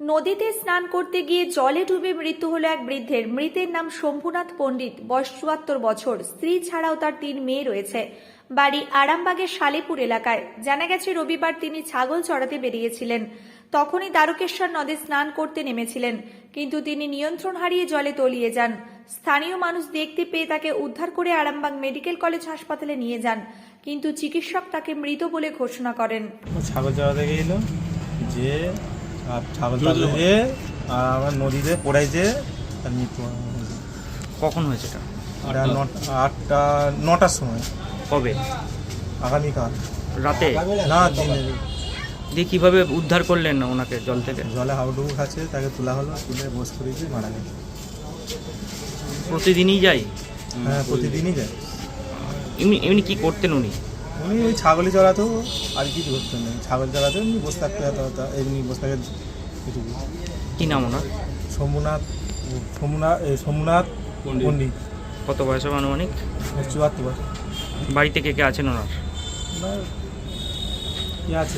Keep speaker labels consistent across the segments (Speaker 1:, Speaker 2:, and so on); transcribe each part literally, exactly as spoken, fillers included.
Speaker 1: নদীতে স্নান করতে গিয়ে জলে ডুবে মৃত্যু হলো এক বৃদ্ধের। মৃতের নাম শম্ভুনাথ পণ্ডিত, বয়স চুয়াত্তর বছর। স্ত্রী ছাড়াও তার তিন মেয়ে রয়েছে। বাড়ি আরামবাগের সালেপুর এলাকায়। জানা গেছে রবিবার তিনি ছাগল চড়াতে বেরিয়েছিলেন। তখনই দ্বারকেশ্বর নদে স্নান করতে নেমেছিলেন, কিন্তু তিনি নিয়ন্ত্রণ হারিয়ে জলে তলিয়ে যান। স্থানীয় মানুষ দেখতে পেয়ে তাকে উদ্ধার করে আরামবাগ মেডিকেল কলেজ হাসপাতালে নিয়ে যান, কিন্তু চিকিৎসক তাকে মৃত বলে ঘোষণা করেন।
Speaker 2: ছাগল চড়াতে গেছিল যে আর ছাগল চড়াতে গিয়ে আর আমার নদীতে পড়াইছে, তার মৃত্যু হয়েছে।
Speaker 3: কখন হয়েছে এটা?
Speaker 2: এটা নটা আটটা নটার সময়।
Speaker 3: কবে?
Speaker 2: আগামীকাল
Speaker 3: রাতে?
Speaker 2: না, দিনে।
Speaker 3: দিয়ে কীভাবে উদ্ধার করলেন ওনাকে জল থেকে?
Speaker 2: জলে হাবুডুবু খাচ্ছে, তাকে তোলা হলো, তুলে বস করেছি, মারা গেছে।
Speaker 3: প্রতিদিনই যাই?
Speaker 2: হ্যাঁ, প্রতিদিনই যায়।
Speaker 3: এমনি এমনি কী করতেন উনি?
Speaker 2: উনি ওই ছাগলই চড়াতো, আর কিছু করতেন না। ছাগল চড়াতে এমনি বসে থাকতে হতো, এমনি বসে থাকে কিছু।
Speaker 3: কী নাম ওনার?
Speaker 2: শম্ভুনাথ সোমনাথ সোমনাথ পণ্ডিত।
Speaker 3: কত বয়স হবে আনুমানিক?
Speaker 2: চুয়াত্তর বছর।
Speaker 3: বাড়িতে কে কে আছেন ওনার?
Speaker 2: ওনার কি আছে,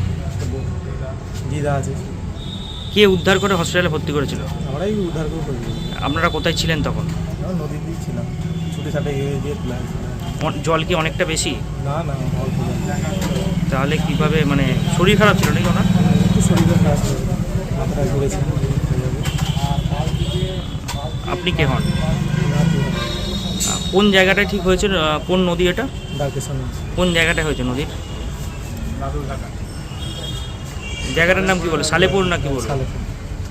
Speaker 2: দিদা আছে।
Speaker 3: কে উদ্ধার করে হসপিটালে ভর্তি করেছিল?
Speaker 2: আমরাই উদ্ধার করে ফেলবো।
Speaker 3: আপনারা কোথায় ছিলেন তখন?
Speaker 2: আমরা নদীর দিক ছিলাম, ছুটে ছাটে গিয়ে দিয়ে তোলা হয়েছিল।
Speaker 3: অন- জল কি অনেকটা বেশি?
Speaker 2: না না, অল্প জল।
Speaker 3: তাহলে কিভাবে, মানে শরীর খারাপ ছিল নাকি ওনার?
Speaker 2: একটু শরীরে খারাপ ছিল, মাথাটা ঘুরেছে।
Speaker 3: আপনি কে হন? আহ, কোন জায়গাটায় ঠিক হয়েছে? আহ, কোন নদী এটা?
Speaker 2: ডাকেশন
Speaker 3: কোন জায়গাটায় হয়েছে নদীর? জায়গাটার নাম কি বলে? সালেপুর না কি বলে?
Speaker 2: সালেপুর।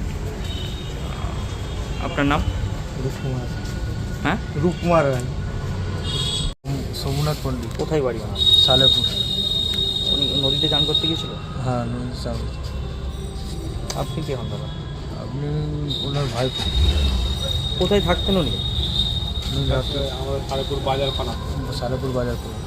Speaker 3: আপনার নাম?
Speaker 2: রূপকুমার।
Speaker 3: হ্যাঁ,
Speaker 2: রূপকুমার রায়। সোমনাথ পণ্ডিত।
Speaker 3: কোথায় বাড়ি ওনার?
Speaker 2: সালেপুর।
Speaker 3: উনি নদীতে চান করতে গিয়েছিল?
Speaker 2: হ্যাঁ, নদীর চাল।
Speaker 3: আপনি কে হন দাদা?
Speaker 2: আপনি ওনার ভাই?
Speaker 3: কোথায় থাকতেন উনি?
Speaker 2: আমাদের সালেপুর বাজার পানা। সালেপুর বাজার পানা।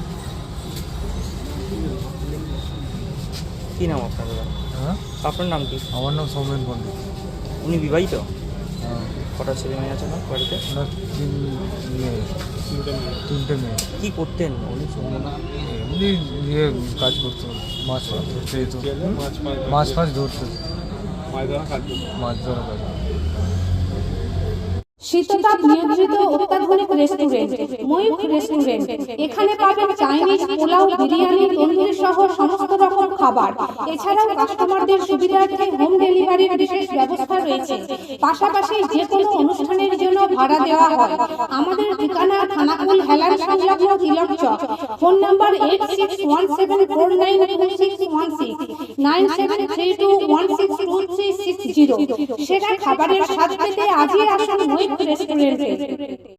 Speaker 3: কী নাম আপনার দাদা?
Speaker 2: হ্যাঁ,
Speaker 3: আপনার নাম কি?
Speaker 2: আমার নাম সৌমেন পণ্ডিত।
Speaker 3: উনি বিবাহিত?
Speaker 2: হ্যাঁ।
Speaker 3: কটা ছেলে মেয়ে আছে না বাড়িতে?
Speaker 2: ওনার তিন মেয়ে। তিনটে মেয়ে।
Speaker 3: কী করতেন উনি?
Speaker 2: এমনি ইয়ে কাজ করতো, মাছ ফাছ ধরতে যেত। মাছ ফাছ ধরতো, মাছ ধরা কাজ।
Speaker 4: শীততাপ নিয়ন্ত্রিত অত্যাধুনিক রেস্টুরেন্ট ময়ূখ রেস্টুরেন্ট। এখানে পাবেন চাইনিজ, পোলাও, বিরিয়ানি, তন্দুরি সহ সমস্ত রকম খাবার। এছাড়াও কাস্টমারদের সুবিধার্থে হোম ডেলিভারির বিশেষ ব্যবস্থা রয়েছে। পাশাপাশি যে কোনো অনুষ্ঠানের জন্য ভাড়া দেওয়া হয়। আমাদের ঠিকানা খানাকুল হেলান সংলগ্ন Tilak Chak. Phone number eight six one seven four nine two six one six, nine seven three two one six two three six zero. সেরা খাবারের স্বাদ পেতে আজই আসুন ময়ূখ রেস্টুরেন্টে।